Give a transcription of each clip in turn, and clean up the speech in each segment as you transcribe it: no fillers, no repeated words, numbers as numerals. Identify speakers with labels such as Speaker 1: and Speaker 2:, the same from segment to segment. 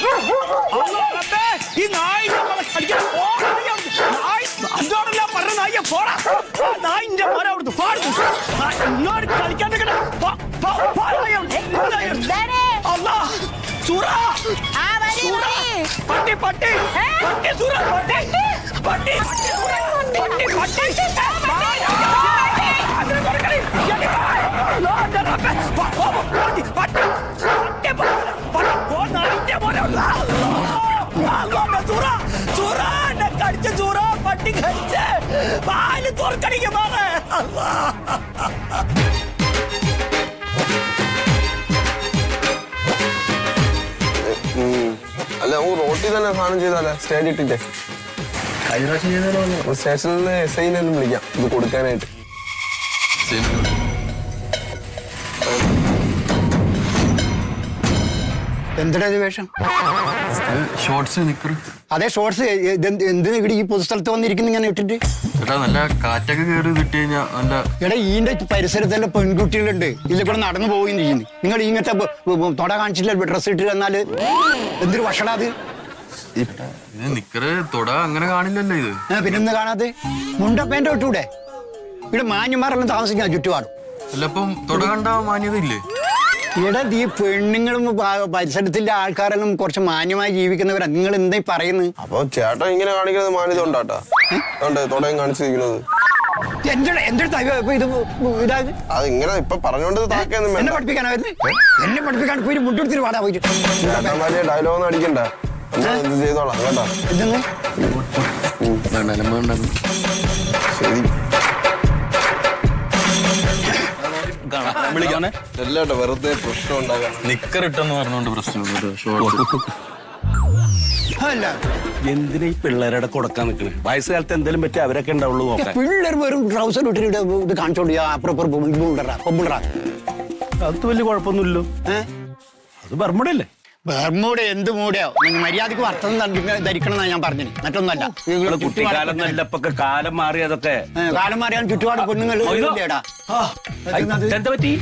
Speaker 1: ഈ നായിന്റെ പറഞ്ഞ നായിയെ പോടാ. നായിന്റെ മോനെ അവിടുന്ന് പാടുന്നു. ഇങ്ങോട്ട് കളിക്കാൻ പട്ടി പട്ടി പട്ടി സൂറ പട്ടി പട്ടി പട്ടി കടിച്ച ചൂറ പട്ടി കടിച്ച് പാല് തുറക്കടിക്ക് മാറേ.
Speaker 2: അല്ല റോട്ടിൽ തന്നെ സാധനം ചെയ്താലേ സ്റ്റേജ് ഇട്ടിട്ടേ സ്റ്റേഷനിൽ എസ് ഐനെ വിളിക്കാം ഇത് കൊടുക്കാനായിട്ട്.
Speaker 3: എന്തിനാ വേഷം?
Speaker 4: ഷോർട്സ് നിക്കറ്.
Speaker 3: അതെ ഷോർട്സ് എന്തിനാ ഇവിടെ ഈ പൊതുസ്ഥലത്ത് വന്നിരിക്കുന്നു ഇങ്ങനെ ഇട്ടിട്ട്?
Speaker 4: ചേട്ടാ നല്ല കാറ്റൊക്കെ കയറി കിട്ടി കഴിഞ്ഞാൽ നല്ല.
Speaker 3: എടാ ഈന്റെ പരിസരത്തെല്ലാം പെൺകുട്ടികളുണ്ട്, ഇതിൽ കൂടെ നടന്നു പോവുകയും ചെയ്യുന്നു. നിങ്ങൾ ഇങ്ങനത്തെ തൊട കാണിച്ചില്ല ഡ്രസ് ഇട്ട് തന്നാല് എന്തൊരു ഭക്ഷണം അത്?
Speaker 4: ഇത് നിക്കറ് തൊട അങ്ങനെ കാണില്ലല്ലോ ഇത്.
Speaker 3: പിന്നെന്ന് കാണാതെ മുണ്ടപ്പേന്റെ ഇട്ടൂടെ? ഇവിടെ മാന്യന്മാരെല്ലാം താമസിക്കാൻ ചുറ്റുപാടും.
Speaker 4: അല്ല അപ്പം തൊട കണ്ട മാന്യത ഇല്ലേ?
Speaker 3: ഇവിടെ ഈ പെണ്ണുങ്ങളും പരിസരത്തിന്റെ ആൾക്കാരെല്ലാം കുറച്ച് മാന്യമായി ജീവിക്കുന്നവരാ. നിങ്ങൾ എന്തായി പറയുന്നത്?
Speaker 2: അപ്പൊ ചേട്ടൻ ഇങ്ങനെ കാണിക്കുന്നത് മാന്യത ഉണ്ടാട്ടാ തൊടയും കാണിച്ചിരിക്കുന്നത്. അത് ഇങ്ങനെ ഇപ്പൊ പറഞ്ഞോണ്ട്
Speaker 3: എന്നെ പഠിപ്പിക്കാനാ എന്നെ പഠിപ്പിക്കാൻ പോയി മുണ്ടെടുത്തിട്ട് പാടാ പോയിട്ട്
Speaker 2: ഡയലോഗ് അടിക്കണ്ട. എന്ത് ചെയ്തോളാം കേട്ടോ. ശരി എല്ലാട്ടോ വെറുതെ പ്രശ്നം ഉണ്ടാകാൻ
Speaker 4: നിക്കറിട്ടെന്ന് പറഞ്ഞോണ്ട് പ്രശ്നം.
Speaker 1: എന്തിനാ ഈ പിള്ളേരുടെ കൊടുക്കാൻ നിൽക്കണേ? വയസ്സുകാലത്ത് എന്തെങ്കിലും പറ്റി അവരൊക്കെ ഉണ്ടാവുള്ളൂ നോക്കാൻ.
Speaker 3: പിള്ളേർ വെറും ട്രൗസർ ഇട്ടിട്ട് ഇത് കാണിച്ചോണ്ട്
Speaker 1: അത് വലിയ കുഴപ്പമൊന്നുമില്ലല്ലോ. അത് ബർമുടല്ലേ?
Speaker 3: ബർമൂടെ എന്ത് മൂടെയോ? നിങ്ങൾ മര്യാദക്ക് വർത്തം ധരിക്കണം ഞാൻ പറഞ്ഞത്, മറ്റൊന്നല്ല.
Speaker 1: കുട്ടിക്കാലം നല്ല ഇപ്പൊക്കെ കാലം മാറി. അതൊക്കെ
Speaker 3: കാലം മാറിയാൽ ചുറ്റുപാട് പെണ്ണുങ്ങൾ
Speaker 1: എന്താ പറ്റി?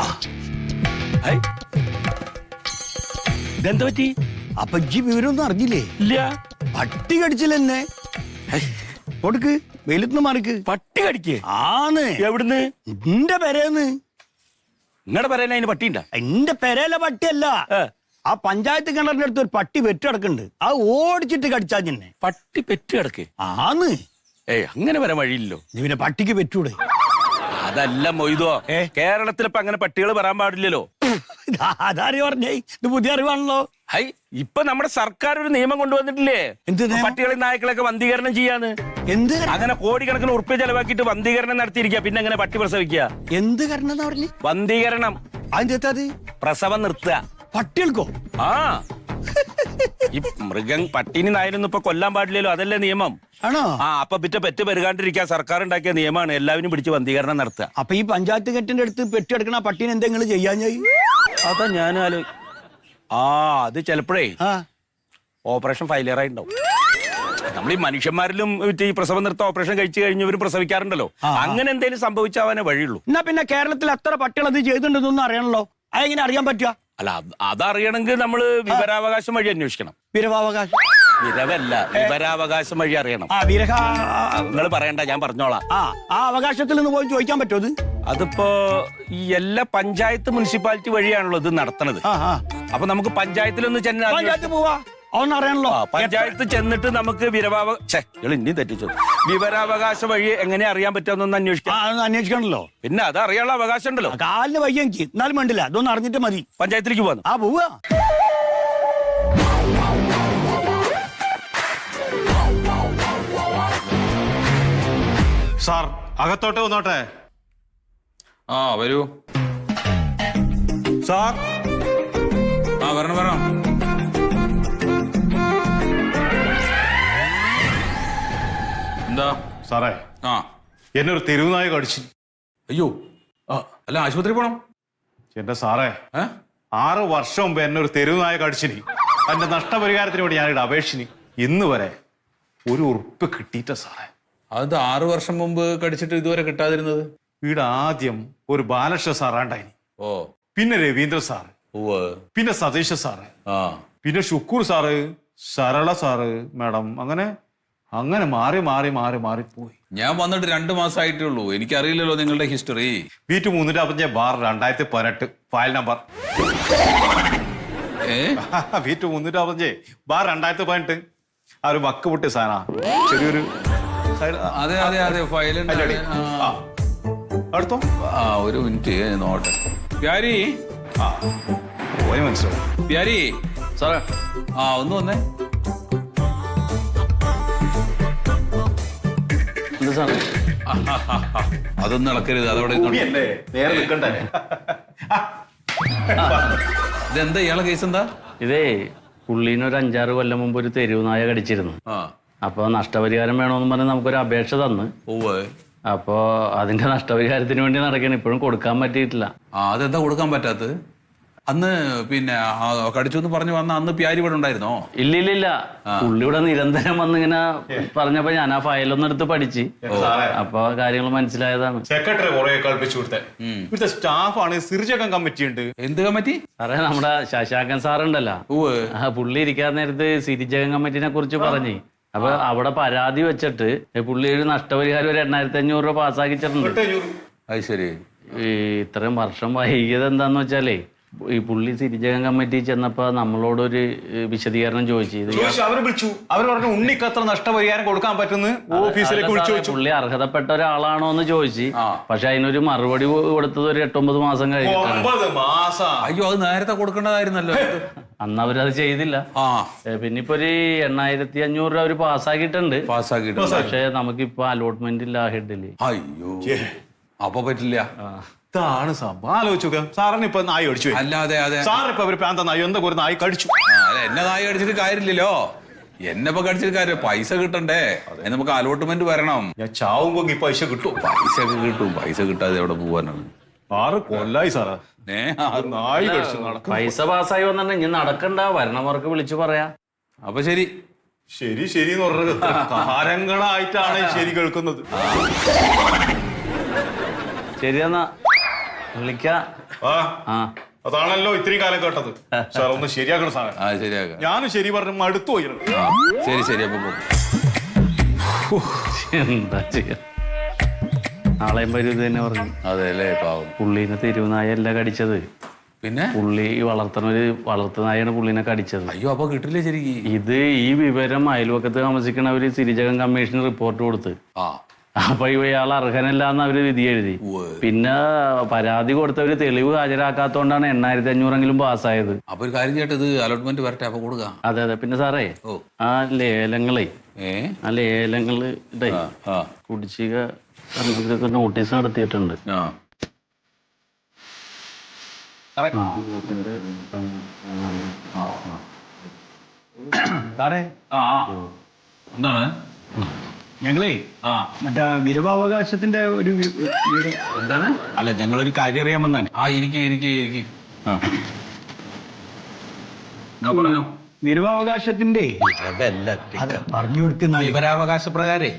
Speaker 1: ഇതെന്താ പറ്റി?
Speaker 3: അപ്പൊ ഈ വിവരമൊന്നും അറിഞ്ഞില്ലേ?
Speaker 1: ഇല്ല.
Speaker 3: പട്ടി കടിച്ചില്ലെന്നെ. കൊടുക്ക് വെയിലത്തുനിന്ന് മാറിക്ക്.
Speaker 1: പട്ടി കടിക്ക്
Speaker 3: ആന്ന്.
Speaker 1: എവിടുന്ന്?
Speaker 3: എന്റെ പെരേന്ന്.
Speaker 1: നിങ്ങളുടെ പെരേല അതിന് പട്ടിയുണ്ട?
Speaker 3: എന്റെ പെരയിലെ പട്ടിയല്ല, ആ പഞ്ചായത്ത് കിണറിന്റെ അടുത്ത് ഒരു പട്ടി പെറ്റ് കിടക്കുന്നുണ്ട്. അത് ഓടിച്ചിട്ട് കടിച്ചാ തന്നെ.
Speaker 1: പട്ടി പെറ്റ് കിടക്ക്?
Speaker 3: ആന്ന്.
Speaker 1: അങ്ങനെ വരാൻ വഴിയില്ലല്ലോ.
Speaker 3: നീ പിന്നെ പട്ടിക്ക് പെറ്റൂടെ?
Speaker 1: അതല്ല മൊയ്തോ, കേരളത്തിൽ ഇപ്പൊ അങ്ങനെ പട്ടികൾ വരാൻ പാടില്ലല്ലോ.
Speaker 3: അതാര് പറഞ്ഞേ? ഇത് പുതിയ അറിവാണല്ലോ.
Speaker 1: ഹൈ, ഇപ്പൊ നമ്മുടെ സർക്കാർ ഒരു നിയമം കൊണ്ടുവന്നിട്ടില്ലേ?
Speaker 3: എന്ത്?
Speaker 1: പട്ടികളെയും നായ്ക്കളൊക്കെ വന്ധീകരണം ചെയ്യാന്ന്.
Speaker 3: എന്ത്?
Speaker 1: അങ്ങനെ കോടിക്കണക്കിന് ഉറുപ്പ്യ ചെലവാക്കിയിട്ട് വന്ധീകരണം നടത്തിയിരിക്കുക. പിന്നെ അങ്ങനെ പട്ടി പ്രസവിക്കുക.
Speaker 3: എന്ത് കരണം പറഞ്ഞു?
Speaker 1: വന്ധീകരണം.
Speaker 3: അതിന്റെ
Speaker 1: പ്രസവം നിർത്തുക.
Speaker 3: പട്ടികൾക്കോ?
Speaker 1: ആ, ഈ മൃഗം പട്ടിനി നായനൊന്നും ഇപ്പൊ കൊല്ലാൻ പാടില്ലല്ലോ, അതല്ലേ നിയമം.
Speaker 3: ആണോ?
Speaker 1: ആ, അപ്പൊ പെറ്റ് പെരുകാണ്ടിരിക്കാൻ സർക്കാർ ഉണ്ടാക്കിയ നിയമമാണ്. എല്ലാവരും പിടിച്ച് വന്ധീകരണം നടത്തുക.
Speaker 3: അപ്പൊ ഈ പഞ്ചായത്ത് കെട്ടിന്റെ അടുത്ത് പെറ്റെടുക്കണ പട്ടീനെ എന്തെങ്കിലും ചെയ്യാൻ?
Speaker 1: അതാ ഞാനും അത് ചിലപ്പോഴേ ഓപ്പറേഷൻ ഫെയിലിയർ ആയിട്ടുണ്ടാവും. നമ്മൾ ഈ മനുഷ്യന്മാരിലും ഈ പ്രസവം നിർത്ത ഓപ്പറേഷൻ കഴിച്ചു കഴിഞ്ഞവരും പ്രസവിക്കാറുണ്ടല്ലോ. അങ്ങനെ എന്തെങ്കിലും സംഭവിച്ചാവാനേ വഴിയുള്ളൂ.
Speaker 3: എന്നാ പിന്നെ കേരളത്തിൽ എത്ര പട്ടികൾ അത് ചെയ്തിട്ടുണ്ടെന്നൊന്നും അറിയണല്ലോ. അതെങ്ങനെ അറിയാൻ പറ്റുക?
Speaker 1: അല്ല, അതറിയണമെങ്കിൽ നമ്മള് വിവരാവകാശം വഴി അന്വേഷിക്കണം.
Speaker 3: വിരവാവകാശം?
Speaker 1: വിരവല്ല, വിവരാവകാശം വഴി അറിയണം. നിങ്ങൾ പറയണ്ട, ഞാൻ പറഞ്ഞോളാം.
Speaker 3: ആ അവകാശത്തിൽ നിന്ന് പോയി ചോദിക്കാൻ പറ്റുമോ?
Speaker 1: അതിപ്പോ ഈ എല്ലാ പഞ്ചായത്ത് മുനിസിപ്പാലിറ്റി വഴിയാണല്ലോ ഇത് നടത്തണത്. അപ്പൊ നമുക്ക് പഞ്ചായത്തിലൊന്ന്
Speaker 3: പഞ്ചായത്ത് പോവാ, അതൊന്നും അറിയണല്ലോ.
Speaker 1: പഞ്ചായത്ത് ചെന്നിട്ട് നമുക്ക് ഇനി തെറ്റിച്ചു വിവരാവകാശ വഴി എങ്ങനെ അറിയാൻ പറ്റുമെന്നൊന്ന്
Speaker 3: അന്വേഷിക്കണല്ലോ.
Speaker 1: പിന്നെ അത് അറിയാനുള്ള അവകാശം ഉണ്ടല്ലോ.
Speaker 3: കാലിന് വയ്യ എനിക്ക്, എന്നാലും വേണ്ടില്ല, അതൊന്നും അറിഞ്ഞിട്ട് മതി.
Speaker 1: പഞ്ചായത്തിലേക്ക് പോവാന്ന്.
Speaker 3: പോവാ.
Speaker 5: സാർ അകത്തോട്ട് വന്നോട്ടെ.
Speaker 4: വരൂ
Speaker 5: സാർ.
Speaker 4: വരണം. എന്താ
Speaker 5: സാറേ, എന്നൊരു തെരുവുനായ കടിച്ചു.
Speaker 4: അയ്യോ, അല്ല ആശുപത്രി പോണം.
Speaker 5: എന്റെ സാറേ, 6 വർഷം മുമ്പ് എന്നൊരു തെരുവുനായ കടിച്ചിനി. അതിന്റെ നഷ്ടപരിഹാരത്തിന് വേണ്ടി ഞാനിവിടെ അപേക്ഷിനി. ഇന്ന് വരെ ഒരു ഉറുപ്പ് കിട്ടിയിട്ട സാറേ.
Speaker 4: അത് 6 വർഷം മുമ്പ് കടിച്ചിട്ട് ഇതുവരെ കിട്ടാതിരുന്നത്?
Speaker 5: ഇവിടെ ആദ്യം ഒരു ബാലകൃഷ്ണ സാറാണ്ടായിനി. പിന്നെ രവീന്ദ്ര സാറ്, പിന്നെ സതീശ സാറ്, പിന്നെ Shukkoor sir, Sarala sir, madam, അങ്ങനെ അങ്ങനെ മാറിപ്പോയി.
Speaker 6: ഞാൻ വന്നിട്ട് 2 മാസമായിട്ടേ ഉള്ളൂ. എനിക്കറിയില്ലല്ലോ നിങ്ങളുടെ ഹിസ്റ്ററി.
Speaker 5: വീറ്റ് 355/2018 ഫയൽ നമ്പർ. വീറ്റ് 355/2018 ആ ഒരു വക്ക് പൊട്ടി സാധന ചെറിയൊരു
Speaker 6: അതെ ഫയൽ
Speaker 5: അടുത്തോ.
Speaker 6: ഒരു മിനിറ്റ് നോട്ടെ. പ്യാരി
Speaker 5: പോയി മനസ്സിലാവും.
Speaker 6: പ്യാരി
Speaker 4: സാറേ
Speaker 6: ഒന്ന് വന്നേ.
Speaker 4: എന്താ സാറേ?
Speaker 6: അതൊന്നും ഇളക്കരുത്, അതവിടെ
Speaker 5: നേരെ നിൽക്കണ്ടേ.
Speaker 6: ഇതെന്താ ഇയാളെ കേസ് എന്താ?
Speaker 7: ഇതേ പുള്ളീനെ ഒരു 5-6 കൊല്ലം മുമ്പ് ഒരു തെരുവ് നായ കടിച്ചിരുന്നു. അപ്പൊ നഷ്ടപരിഹാരം വേണമെന്ന് പറഞ്ഞ് നമുക്കൊരു അപേക്ഷ തന്ന്. അപ്പോ അതിന്റെ നഷ്ടപരിഹാരത്തിന് വേണ്ടി നടക്കണം. ഇപ്പോഴും കൊടുക്കാൻ പറ്റിയിട്ടില്ല.
Speaker 6: അതെന്താ കൊടുക്കാൻ പറ്റാത്തത്? അന്ന് പിന്നെ കടിച്ചു എന്ന് പറഞ്ഞു വന്ന അന്ന് പ്യാരി ഇവിടെ ഉണ്ടായിരുന്നോ?
Speaker 7: ഇല്ല പുള്ളി ഇവിടെ നിരന്തരം വന്നിങ്ങനെ പറഞ്ഞപ്പോ ഞാൻ ആ ഫയലൊന്നും എടുത്ത് പഠിച്ച് അപ്പൊ കാര്യങ്ങൾ മനസ്സിലായതാണ്.
Speaker 5: സെക്രട്ടറി കുറെ കളിപ്പിച്ചു കൊടുത്തേ. ഇവിടുത്തെ സ്റ്റാഫാണ്. സിർജകം കമ്മിറ്റി ഉണ്ട്.
Speaker 6: എന്ത് കമ്മിറ്റി?
Speaker 7: സാറേ നമ്മുടെ ശശാങ്കൻ സാറുണ്ടല്ലോ, പുള്ളി ഇരിക്കാൻ നേരത്ത് സിരിജകൻ കമ്മിറ്റിനെ കുറിച്ച് പറഞ്ഞ് അപ്പൊ അവിടെ പരാതി വെച്ചിട്ട് പുള്ളി ഒരു നഷ്ടപരിഹാരം ഒരു 8,500 രൂപ പാസ്സാക്കിച്ചിട്ടുണ്ട്.
Speaker 6: അത് ശരി.
Speaker 7: ഇത്രയും വർഷം വൈകിയത് എന്താന്ന് വെച്ചാലേ ഈ പുള്ളി സിരിജകൻ കമ്മിറ്റി ചെന്നപ്പോ നമ്മളോടൊരു വിശദീകരണം ചോദിച്ചു.
Speaker 5: അവര് വിളിച്ചു. അവർ പറഞ്ഞു ഉണ്ണിക്ക് അത്ര നഷ്ടപരിഹാരം കൊടുക്കാൻ പറ്റുന്ന ഓഫീസിലേക്ക് വിളിച്ചു ചോദിച്ചു.
Speaker 7: പുള്ളി അർഹതപ്പെട്ട ഒരാളാണോ എന്ന് ചോദിച്ചു. പക്ഷെ അതിനൊരു മറുപടി കൊടുത്തത് ഒരു 8-9 മാസം കഴിഞ്ഞിട്ടാണ്.
Speaker 5: 9 മാസം?
Speaker 6: അയ്യോ, അത് നേരത്തെ കൊടുക്കേണ്ടതായിരുന്നല്ലോ.
Speaker 7: അന്ന് അവരത് ചെയ്തില്ല. പിന്നെ ഇപ്പൊ ഒരു 8,500 രൂപ അവര് പാസ്സാക്കിയിട്ടുണ്ട്. പക്ഷെ നമുക്കിപ്പോ അലോട്ട്മെന്റ് ഇല്ല ഹെഡില്.
Speaker 6: അയ്യോ, അപ്പൊ പറ്റില്ല.
Speaker 5: ഇതാണ് സംഭവം. ആലോചിച്ചു. സാറിന് ഇപ്പൊ നായി കടിച്ചു.
Speaker 6: അല്ലാതെ
Speaker 5: സാറിന് ഒരു പ്രാന്ത നായി എന്താ ഒരു നായി കടിച്ചു.
Speaker 6: എന്നെ നായി കടിച്ചിട്ട് കാര്യമില്ലല്ലോ. എന്നെ ഇപ്പൊ കടിച്ചിട്ട് കാര്യം പൈസ കിട്ടണ്ടേ? നമുക്ക് അലോട്ട്മെന്റ് വരണം.
Speaker 5: ഞാൻ ചാവുമ്പോ ഈ പൈസ കിട്ടും.
Speaker 6: പൈസ ഒക്കെ കിട്ടും. പൈസ കിട്ടാതെ എവിടെ പോവാനാണ്?
Speaker 5: 6 കൊല്ലായി സാറാ നായി കടിച്ചു.
Speaker 7: പൈസ പാസ്സായി വന്നിട്ട് ഇനി നടക്കണ്ട, വരണവർക്ക് വിളിച്ചു പറയാ.
Speaker 6: അപ്പൊ ശരി
Speaker 5: ശരി എന്ന് പറഞ്ഞത് കാരങ്ങളായിട്ടാണ് ശരി കേൾക്കുന്നത്.
Speaker 7: ശരിയെന്നാ വിളിക്കാം.
Speaker 5: അതാണല്ലോ ഇത്രയും കാലം കേട്ടത്. സാർ ഒന്ന് ശരിയാക്കണം സാർ.
Speaker 6: ശരിയാക്കാം.
Speaker 5: ഞാനും ശരി പറഞ്ഞു അടുത്തു പോയി.
Speaker 6: ശരി അപ്പൊ
Speaker 7: എന്താ ചെയ്യാ, നാളെയും വരും ഇത് തന്നെ പറഞ്ഞു.
Speaker 6: അതെ അല്ലേ, പാവം.
Speaker 7: പുള്ളീനെ തെരുവുനായല്ല കടിച്ചത്.
Speaker 6: പിന്നെ
Speaker 7: പുള്ളി വളർത്തുനായാണ് പുള്ളിനെ കടിച്ചത്.
Speaker 6: അയ്യോ, അപ്പൊ കിട്ടില്ല ശരിക്കും.
Speaker 7: ഇത് ഈ വിവരം അയൽവക്കത്ത് താമസിക്കണവര് സിരിജകൻ കമ്മീഷന് റിപ്പോർട്ട് കൊടുത്ത്. അപ്പൊ ഇയാൾ അർഹനല്ലാന്ന് അവര് വിധി എഴുതി. പിന്നെ പരാതി കൊടുത്തവര് തെളിവ് ഹാജരാക്കാത്തോണ്ടാണ് 8,500 പാസ്സായത്.
Speaker 6: അപ്പൊ ഒരു കാര്യം ചെയ്യട്ടെ, ഇത് അലോട്ട്മെന്റ് വരട്ടെ, അപ്പൊ കൊടുക്കാം.
Speaker 7: അതെ. പിന്നെ സാറേ ആ ലേലങ്ങള് കുടിശ്ശിക നോട്ടീസ് നടത്തിയിട്ടുണ്ട്.
Speaker 6: എന്താണ്?
Speaker 3: ഞങ്ങളേ മറ്റേ വിരവാവകാശത്തിന്റെ ഒരു
Speaker 6: എന്താണ്?
Speaker 3: അല്ല, ഞങ്ങളൊരു കാര്യം അറിയാൻ വന്നാണ്.
Speaker 6: ഇരിക്കും.
Speaker 3: വിരവാവകാശത്തിന്റെ പറഞ്ഞു കൊടുക്കുന്ന
Speaker 1: വിവരാവകാശ പ്രകാരേ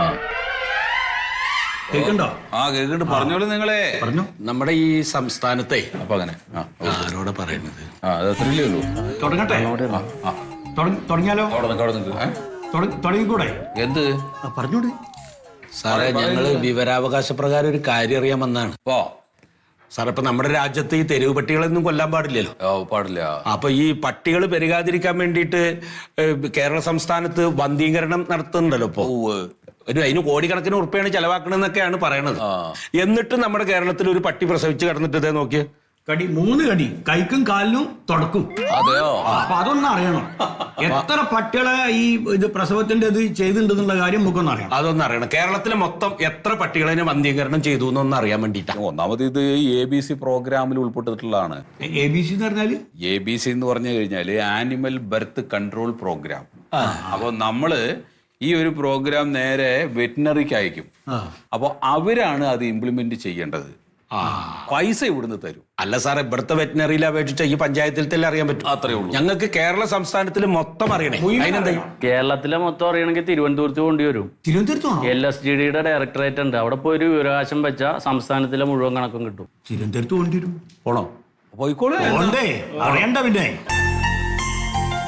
Speaker 3: കേൾക്കണ്ടോ?
Speaker 6: കേൾക്കുന്നുണ്ട്. പറഞ്ഞോളൂ നിങ്ങളെ.
Speaker 3: പറഞ്ഞു.
Speaker 1: നമ്മുടെ ഈ സംസ്ഥാനത്തെ
Speaker 6: അപ്പൊ അങ്ങനെ
Speaker 1: ആരോടെ പറയുന്നത്?
Speaker 6: അത് അത്രയല്ലേ ഉള്ളൂ.
Speaker 3: തുടങ്ങട്ടെ? തുടങ്ങിയാലോ? തുടങ്ങിക്കൂടെ?
Speaker 6: എന്ത്
Speaker 3: പറഞ്ഞോട്
Speaker 1: സാറേ, ഞങ്ങള് വിവരാവകാശ പ്രകാരം ഒരു കാര്യം അറിയാൻ വന്നാണ്. സാറേ, ഇപ്പൊ നമ്മുടെ രാജ്യത്ത് ഈ തെരുവ് പട്ടികളൊന്നും കൊല്ലാൻ പാടില്ലല്ലോ.
Speaker 6: പാടില്ല.
Speaker 1: അപ്പൊ ഈ പട്ടികൾ പെരുകാതിരിക്കാൻ വേണ്ടിയിട്ട് കേരള സംസ്ഥാനത്ത് വന്ധീകരണം നടത്തുന്നുണ്ടല്ലോ ഇപ്പൊ. അതിന് കോടിക്കണക്കിന് ഉറുപ്പിയാണ് ചെലവാക്കണെന്നൊക്കെയാണ് പറയണത്. എന്നിട്ട് നമ്മുടെ കേരളത്തിൽ ഒരു പട്ടി പ്രസവിച്ച് കിടന്നിട്ട് ഇതേ നോക്കിയ
Speaker 3: 3 കടി കൈക്കും കാലിനും തുടക്കും.
Speaker 6: അതെയോ?
Speaker 3: അപ്പൊ അതൊന്നും അറിയണം. എത്ര പട്ടികളെ ഈ ഇത് പ്രസവത്തിന്റെ ഇത് ചെയ്തിട്ടുണ്ടെന്നുള്ള കാര്യം നമുക്കൊന്നും അറിയാം.
Speaker 1: അതൊന്നും അറിയണം. കേരളത്തിലെ മൊത്തം എത്ര പട്ടികളെ വന്ധീകരണം ചെയ്തു എന്നൊന്നും അറിയാൻ വേണ്ടിയിട്ടാണ്.
Speaker 6: ഒന്നാമത് ഇത് ABC പ്രോഗ്രാമിൽ ഉൾപ്പെട്ടിട്ടുള്ളതാണ്.
Speaker 3: ABC എന്ന് പറഞ്ഞാല്
Speaker 6: ABC എന്ന് പറഞ്ഞു കഴിഞ്ഞാല് ആനിമൽ ബർത്ത് കൺട്രോൾ പ്രോഗ്രാം. അപ്പൊ നമ്മള് ഈ ഒരു പ്രോഗ്രാം നേരെ വെറ്റിനറിക്ക് അയക്കും. അപ്പൊ അവരാണ് അത് ഇംപ്ലിമെന്റ് ചെയ്യേണ്ടത്. പൈസ ഇവിടുന്ന് തരും.
Speaker 1: അല്ല സാറേ, ഇവിടുത്തെ വെറ്റിനറിയിൽ അപേക്ഷിച്ച ഈ പഞ്ചായത്തിൽ അറിയാൻ പറ്റും.
Speaker 6: അത്രേ ഉള്ളൂ.
Speaker 1: ഞങ്ങൾക്ക് കേരള സംസ്ഥാനത്തിൽ മൊത്തം അറിയണേ. അതിനെന്താ?
Speaker 7: കേരളത്തിലെ മൊത്തം അറിയണമെങ്കിൽ തിരുവനന്തപുരത്ത് കൊണ്ടുവരും. LSGDയുടെ ഡയറക്ടറേറ്റ് ഉണ്ട്. അവിടെ പോയി ഒരു വിവരാവകാശം വെച്ചാൽ സംസ്ഥാനത്തിലെ മുഴുവൻ കണക്കും കിട്ടും.
Speaker 3: തിരുവനന്തപുരത്ത് കൊണ്ടുവരും.
Speaker 1: പോണോ?
Speaker 6: പോയിക്കോളൂ.
Speaker 3: അറിയണ്ട പിന്നെ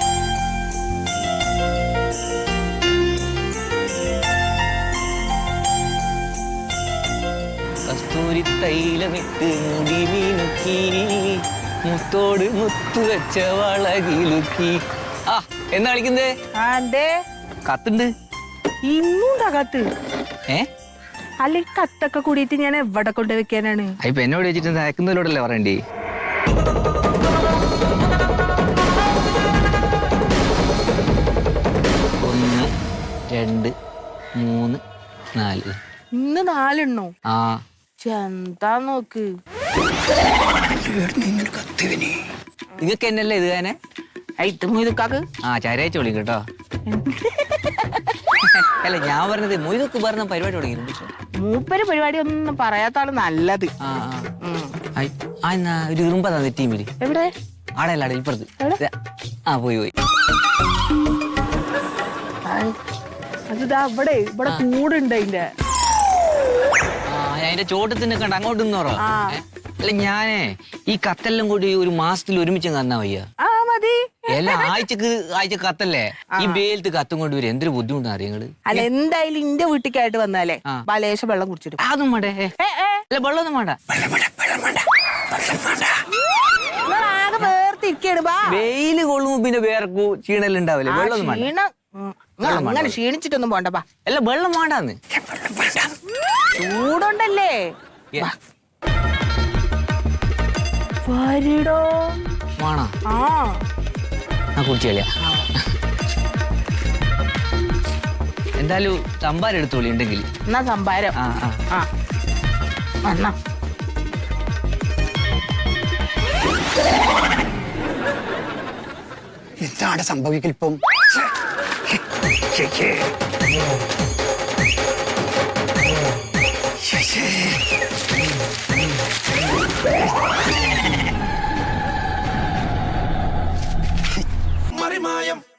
Speaker 8: ഒരു തൈലമിട്ട് മുടി മീനുക്കി മുത്തോട് മുത്തു വെച്ച വളകിലുക്കി. ആ എന്താ കളിക്കുന്നേ? കത്തുണ്ട്.
Speaker 9: ഇന്നുണ്ടാ കത്ത്?
Speaker 8: ഏ
Speaker 9: അല്ലെ കത്തൊക്കെ കൂടിയിട്ട് ഞാൻ എവിടെ കൊണ്ട് വെക്കാനാണ്?
Speaker 8: ഇപ്പൊ എന്നോട് വെച്ചിട്ട് അയക്കുന്നതിലോടല്ലേ പറയണ്ടേ? 1 2 3 4.
Speaker 9: ഇന്ന് 4 എണ്ണോ?
Speaker 8: ആ
Speaker 9: എന്താ നോക്ക്.
Speaker 8: നിങ്ങക്ക് എന്നല്ലേ ഇത് തന്നെ?
Speaker 9: ഇത് മൊയ്തുക്കാക്ക്
Speaker 8: ആ ചരയച്ച് വിളിക്കും കേട്ടോ. അല്ല ഞാൻ പറഞ്ഞത് മൊയ്തൊക്കെ പറഞ്ഞ പരിപാടി തുടങ്ങിയിട്ടുണ്ട്.
Speaker 9: മൂപ്പര് പരിപാടി ഒന്നും പറയാത്താണ് നല്ലത്.
Speaker 8: എന്നാ ഒരു ഇറുമ്പ തന്നെ ടീമില്.
Speaker 9: എവിടെ?
Speaker 8: ആടെ അല്ലാടെ ഇപ്പുറത്ത്. ആ പോയി.
Speaker 9: അതിതാ ഇവിടെ കൂടുണ്ട് അതിന്റെ.
Speaker 8: അതിന്റെ ചോട്ടത്തിന് കണ്ട അങ്ങോട്ട് നിന്നോറോ. അല്ല ഞാനേ ഈ കത്തെല്ലാം കൂടി ഒരു മാസത്തിൽ ഒരുമിച്ച് തന്നാ വയ്യ.
Speaker 9: മതി.
Speaker 8: എല്ലാം ആഴ്ച കത്തല്ലേ. ഈ വെയിലത്ത് കത്തും കൊണ്ട് വരും എന്തൊരു ബുദ്ധിമുട്ടാണ് അറിയങ്ങള്.
Speaker 9: അല്ല എന്തായാലും ഇന്റെ വീട്ടിലേക്കായിട്ട് വന്നാലേ ബലേശം വെള്ളം കുടിച്ചിട്ട്.
Speaker 8: അതൊന്നും വേണ്ടേ? അല്ല വെള്ളമൊന്നും വേണ്ട.
Speaker 9: ആകെ വേർതിരിക്കാണ്.
Speaker 8: വെയില് കൊള്ളുമ്പോ പിന്നെ വേർക്കൂ ക്ഷീണലുണ്ടാവില്ലേ? വെള്ളമൊന്നും വേണ്ട.
Speaker 9: അങ്ങനെ ക്ഷീണിച്ചിട്ടൊന്നും പോണ്ടപ്പാ.
Speaker 8: അല്ല വെള്ളം വേണ്ടാന്ന്.
Speaker 9: ചൂടുണ്ടല്ലേ? വരിടോ.
Speaker 8: വേണോ? ആ കുടിച്ചല്ലേ. എന്തായാലും സംഭാരം എടുത്തോളി ഉണ്ടെങ്കിൽ.
Speaker 9: എന്നാ സംഭാരം.
Speaker 3: എന്താണ് സംഭവിക്കലിപ്പം?